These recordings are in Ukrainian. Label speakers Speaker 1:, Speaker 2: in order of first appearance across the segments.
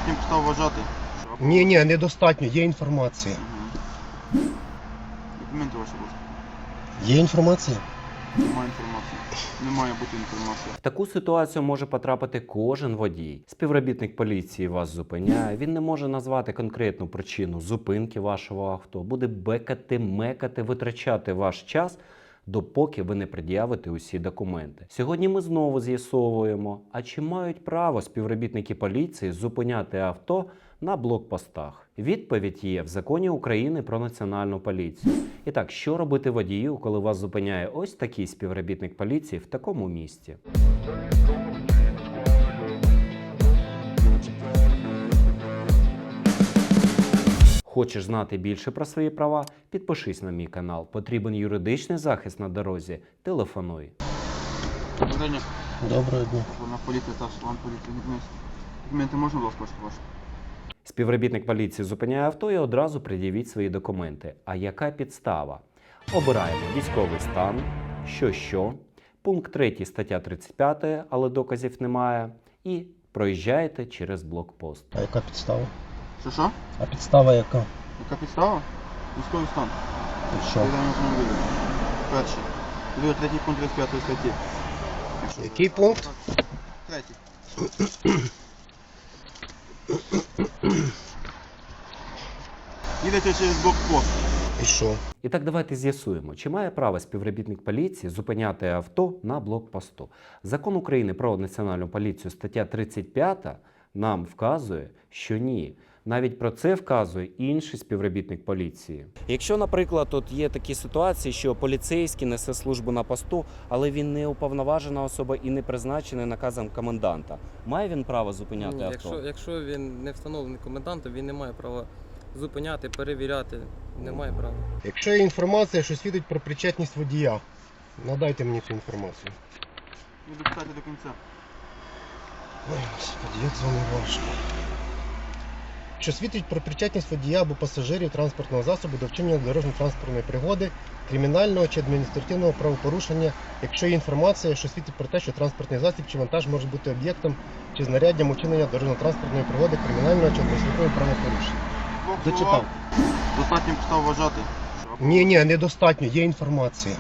Speaker 1: Достатньо підстав вважати.
Speaker 2: Ні, недостатньо, є інформація.
Speaker 1: Документи ваші, будь ласка.
Speaker 2: Є інформація?
Speaker 1: Немає інформації. Не має бути інформації.
Speaker 3: В таку ситуацію може потрапити кожен водій. Співробітник поліції вас зупиняє, він не може назвати конкретну причину зупинки вашого авто, буде бекати, мекати, витрачати ваш час, допоки ви не пред'явите усі документи. Сьогодні ми знову з'ясовуємо, а чи мають право співробітники поліції зупиняти авто на блокпостах? Відповідь є в Законі України про Національну поліцію. І так, що робити водію, коли вас зупиняє ось такий співробітник поліції в такому місті? Хочеш знати більше про свої права? Підпишись на мій канал. Потрібен юридичний захист на дорозі? Телефонуй.
Speaker 1: Доброго дня.
Speaker 2: Доброго дня.
Speaker 1: Головна поліція та член поліції. Документи можна, будь ласка, ваші?
Speaker 3: Співробітник поліції зупиняє авто і одразу пред'явіть свої документи. А яка підстава? Обираємо військовий стан, що, пункт 3 стаття 35, але доказів немає, і проїжджаєте через блокпост.
Speaker 2: А яка підстава?
Speaker 1: Що?
Speaker 2: А підстава яка?
Speaker 1: Яка підстава? Військовий стан.
Speaker 2: І що?
Speaker 1: Передання автомобіля. Перший. Друге, третій пункт 35 статті.
Speaker 2: Який пункт?
Speaker 1: Третій. Їдете через блокпост.
Speaker 2: І що?
Speaker 3: І так давайте з'ясуємо, чи має право співробітник поліції зупиняти авто на блокпосту. Закон України про Національну поліцію, стаття 35, нам вказує, що ні. Навіть про це вказує інший співробітник поліції. Якщо, наприклад, тут є такі ситуації, що поліцейський несе службу на посту, але він не уповноважена особа і не призначений наказом коменданта, має він право зупиняти
Speaker 4: Ні,
Speaker 3: авто?
Speaker 4: якщо він не встановлений комендантом, він не має права зупиняти, перевіряти. Не має права.
Speaker 2: Якщо є інформація, що свідчить про причетність водія, надайте мені цю інформацію.
Speaker 1: Не допитайте до кінця.
Speaker 2: Ой, Господи, як з вами важко. Що свідчить про причетність водія або пасажирів транспортного засобу до вчинення дорожньо-транспортної пригоди, кримінального чи адміністративного правопорушення, якщо є інформація, що свідчить про те, що транспортний засіб чи вантаж може бути об'єктом чи знаряддям учинення дорожньо-транспортної пригоди, кримінального чи адміністративного правопорушення. Зачитав.
Speaker 1: Достатньо підстав вважати.
Speaker 2: Ні, недостатньо, є інформація.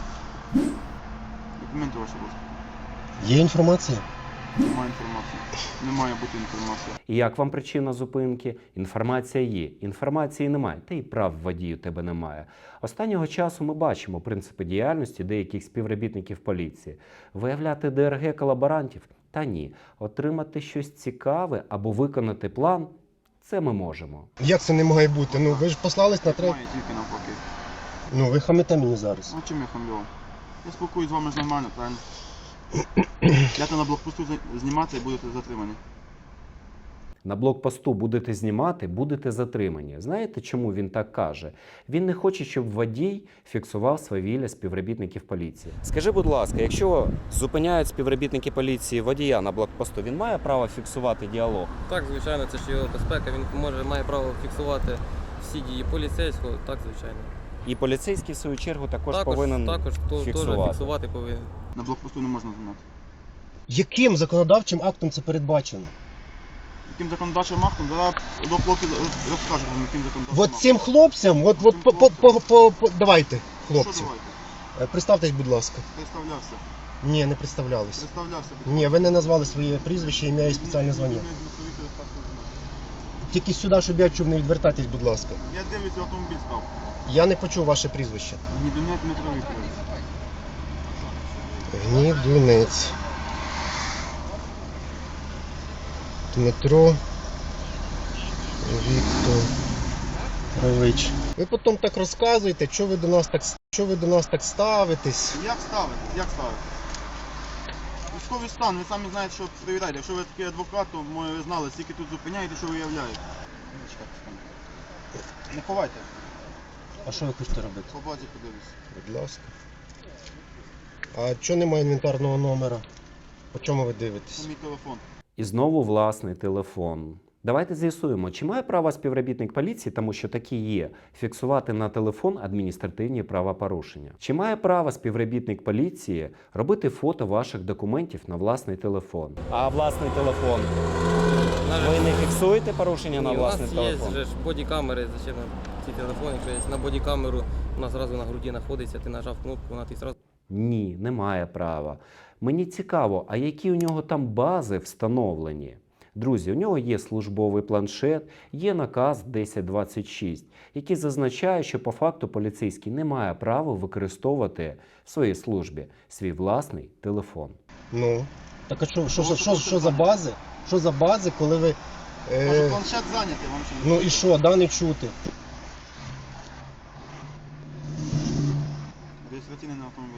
Speaker 1: Документи ваші, будь ласка.
Speaker 2: Є інформація?
Speaker 1: Немає інформації. Не має бути інформації.
Speaker 3: І як вам причина зупинки? Інформація є, інформації немає, та й прав водію тебе немає. Останнього часу ми бачимо принципи діяльності деяких співробітників поліції. Виявляти ДРГ колаборантів? Та ні. Отримати щось цікаве або виконати план – це ми можемо.
Speaker 2: Як це не має бути? Ну ви ж послались на
Speaker 1: Має тільки навпаки.
Speaker 2: Ну ви хамите мені зараз.
Speaker 1: А чим я хамлю? Я спілкуюсь з вами ж нормально, правильно? Йдете на блокпосту зніматися і будете затримані.
Speaker 3: На блокпосту будете знімати, будете затримані. Знаєте, чому він так каже? Він не хоче, щоб водій фіксував свавілля співробітників поліції. Скажи, будь ласка, якщо зупиняють співробітники поліції водія на блокпосту, він має право фіксувати діалог?
Speaker 4: Так, звичайно, це ж його безпека. Він має право фіксувати всі дії поліцейського. Так, звичайно.
Speaker 3: І поліцейський, в свою чергу, також повинен
Speaker 4: теж фіксувати повинен.
Speaker 1: На блокпосту не можна знімати.
Speaker 2: Яким законодавчим актом це передбачено?
Speaker 1: Яким законодавчим актом? Зараз до хлопців розкажу вам, яким законодавчим
Speaker 2: От цим хлопцям, давайте,
Speaker 1: Що
Speaker 2: хлопці.
Speaker 1: давайте?
Speaker 2: Представтесь, будь ласка.
Speaker 1: Представлявся.
Speaker 2: Ні, не представлялись.
Speaker 1: Представлявся.
Speaker 2: Ні, ви не назвали своє прізвище, ім'я і спеціальне звання. Тільки сюди, щоб я чув, не відвертайтесь, будь ласка.
Speaker 1: Я дивлюся, автомобіль став.
Speaker 2: Я не почув ваше прізвище.
Speaker 1: Гнідунець Дмитро Вікторович.
Speaker 2: Гнідунець. Дмитро Вікторович. Ви потім так розказуєте, що ви до нас так ставитесь.
Speaker 1: Як ставити? Як ставити? Військовий стан, ви самі знаєте, що перевіряєте. Якщо ви такий адвокат, то ви знали, скільки тут зупиняєте, що виявляєте. Не ховайте.
Speaker 2: А що ви хочете робити?
Speaker 1: По базі подивлюсь.
Speaker 2: Будь ласка. А чого немає інвентарного номера? По чому ви дивитесь?
Speaker 1: Це мій телефон.
Speaker 3: І знову власний телефон. Давайте з'ясуємо, чи має право співробітник поліції, тому що такі є, фіксувати на телефон адміністративні правопорушення? Чи має право співробітник поліції робити фото ваших документів на власний телефон? А власний телефон? Ви не фіксуєте порушення на
Speaker 4: Ні, у
Speaker 3: власний
Speaker 4: нас
Speaker 3: телефон?
Speaker 4: є ж бодікамери, зачем нам ці телефони, якщо є на бодікамеру, вона зразу на груді знаходиться, ти нажав кнопку, вона ти зразу.
Speaker 3: Ні, немає права. Мені цікаво, а які у нього там бази встановлені? Друзі, у нього є службовий планшет, є наказ 1026, який зазначає, що по факту поліцейський не має права використовувати в своїй службі свій власний телефон.
Speaker 2: Ну. Так а що за бази? Що за бази, коли ви.
Speaker 1: Може планшет зайнятий, вам що не
Speaker 2: Ну і що, да, не чути?
Speaker 1: реєстраційний на автомобіль.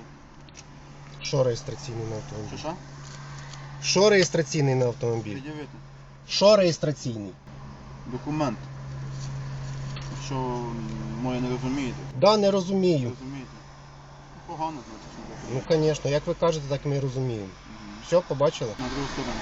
Speaker 2: Що реєстраційний на автомобіль?
Speaker 1: Що?
Speaker 2: Що реєстраційний на автомобіль?
Speaker 1: Пред'явити.
Speaker 2: Що реєстраційний?
Speaker 1: Документ. Що моє не розумієте?
Speaker 2: Да, не розумію.
Speaker 1: Розумієте? Ну, погано, значить, що
Speaker 2: Ну, звісно, як ви кажете, так ми і розуміємо. Все, побачили?
Speaker 1: На другу сторону.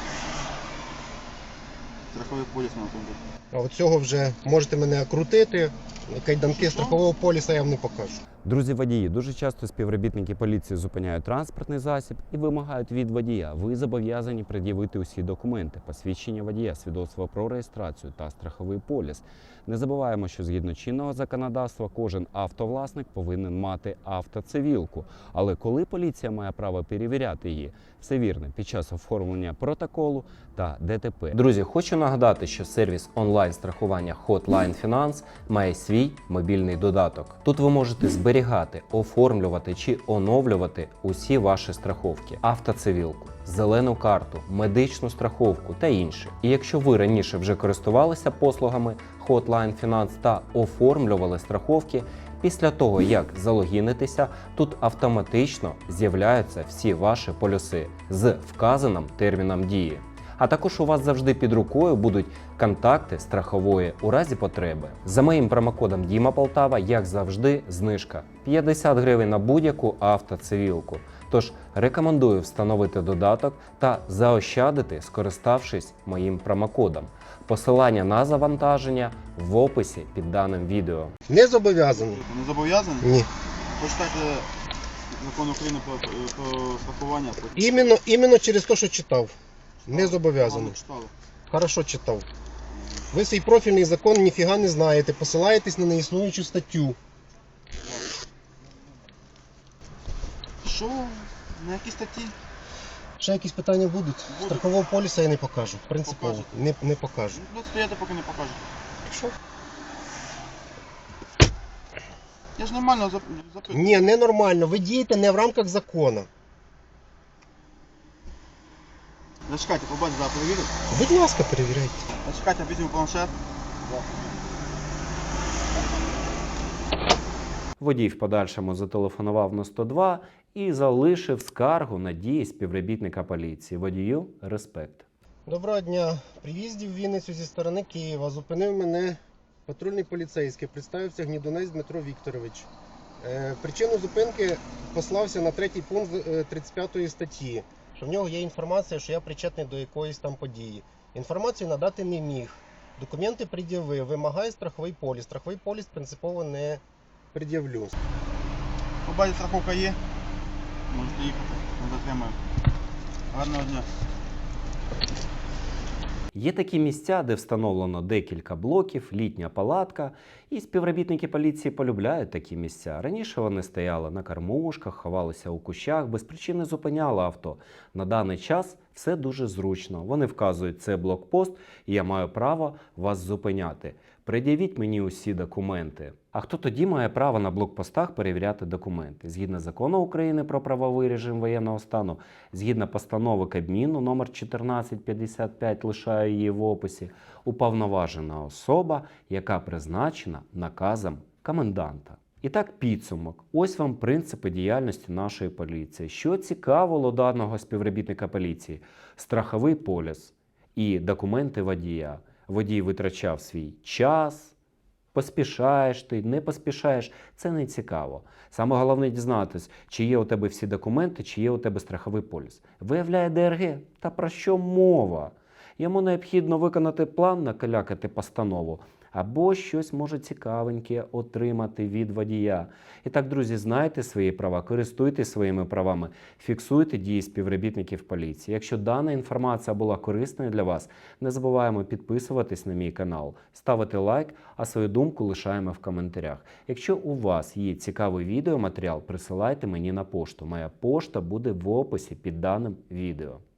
Speaker 1: Страховий поліс на автомобіль.
Speaker 2: А от цього вже можете мене окрутити. Кайданки
Speaker 1: Що?
Speaker 2: страхового поліса я вам не покажу.
Speaker 3: Друзі водії, дуже часто співробітники поліції зупиняють транспортний засіб і вимагають від водія. Ви зобов'язані пред'явити усі документи, посвідчення водія, свідоцтво про реєстрацію та страховий поліс. Не забуваємо, що згідно чинного законодавства кожен автовласник повинен мати автоцивілку. Але коли поліція має право перевіряти її? Все вірно, під час оформлення протоколу та ДТП. Друзі, хочу нагадати, що сервіс онлайн-страхування Hotline Finance має свій мобільний додаток. Тут ви можете зберігати, оформлювати чи оновлювати усі ваші страховки, автоцивілку, зелену карту, медичну страховку та інше. І якщо ви раніше вже користувалися послугами Hotline Finance та оформлювали страховки, після того, як залогінитеся, тут автоматично з'являються всі ваші полюси з вказаним терміном дії. А також у вас завжди під рукою будуть контакти страхової у разі потреби. За моїм промокодом Діма Полтава, як завжди, знижка 50 гривень на будь-яку автоцивілку. Тож рекомендую встановити додаток та заощадити, скориставшись моїм промокодом. Посилання на завантаження в описі під даним відео.
Speaker 2: Не зобов'язаний.
Speaker 1: Не зобов'язаний?
Speaker 2: Ні.
Speaker 1: Почитайте закон України про страхування. потім.
Speaker 2: Іменно через те, що читав. Не
Speaker 1: Погано
Speaker 2: зобов'язаний.
Speaker 1: читали.
Speaker 2: Хорошо читав. Ви свій профільний закон ніфіга не знаєте, посилаєтесь на неіснуючу статтю.
Speaker 1: Що? На якій статті?
Speaker 2: Ще якісь питання будуть?
Speaker 1: Будуть.
Speaker 2: Страхового поліса я не покажу. Принципово.
Speaker 1: Покажете.
Speaker 2: Не покажу.
Speaker 1: Ну, стояти, поки не покажете.
Speaker 2: Що?
Speaker 1: Я ж нормально запитую.
Speaker 2: Ні, ненормально. Ви дієте не в рамках закону.
Speaker 1: Зачекайте, побачите, зараз перевірю.
Speaker 2: Будь ласка, перевіряйте.
Speaker 1: Зачекайте, візьму планшет.
Speaker 3: Водій в подальшому зателефонував на 102 і залишив скаргу на дії співробітника поліції. Водію респект.
Speaker 2: Доброго дня. При в'їзді в Вінницю зі сторони Києва зупинив мене патрульний поліцейський. Представився Гнідунець Дмитро Вікторович. Причину зупинки послався на 3-й пункт 35 статті, що в нього є інформація, що я причетний до якоїсь там події. Інформацію надати не міг. Документи пред'явив, вимагає страховий поліс. Страховий поліс принципово не пред'явлю.
Speaker 1: Побачите, страховка є. Можете їхати, не затримаю. Гарного дня.
Speaker 3: Є такі місця, де встановлено декілька блоків, літня палатка, і співробітники поліції полюбляють такі місця. Раніше вони стояли на кормушках, ховалися у кущах, без причини зупиняли авто. На даний час все дуже зручно. Вони вказують, це блокпост, і я маю право вас зупиняти. Пред'явіть мені усі документи. А хто тоді має право на блокпостах перевіряти документи? Згідно закону України про правовий режим воєнного стану, згідно постанови Кабміну номер 1455, лишаю її в описі, уповноважена особа, яка призначена наказом коменданта. І так, підсумок. Ось вам принципи діяльності нашої поліції. Що цікавило даного співробітника поліції? Страховий поліс і документи водія. Водій витрачав свій час, поспішаєш ти, не поспішаєш, це не цікаво. Саме головне дізнатись, чи є у тебе всі документи, чи є у тебе страховий поліс. Виявляє ДРГ, та про що мова? Йому необхідно виконати план, накалякати постанову, або щось може цікавеньке отримати від водія. І так, друзі, знайте свої права, користуйтесь своїми правами, фіксуйте дії співробітників поліції. Якщо дана інформація була корисною для вас, не забуваємо підписуватись на мій канал, ставити лайк, а свою думку лишаємо в коментарях. Якщо у вас є цікавий відеоматеріал, присилайте мені на пошту. Моя пошта буде в описі під даним відео.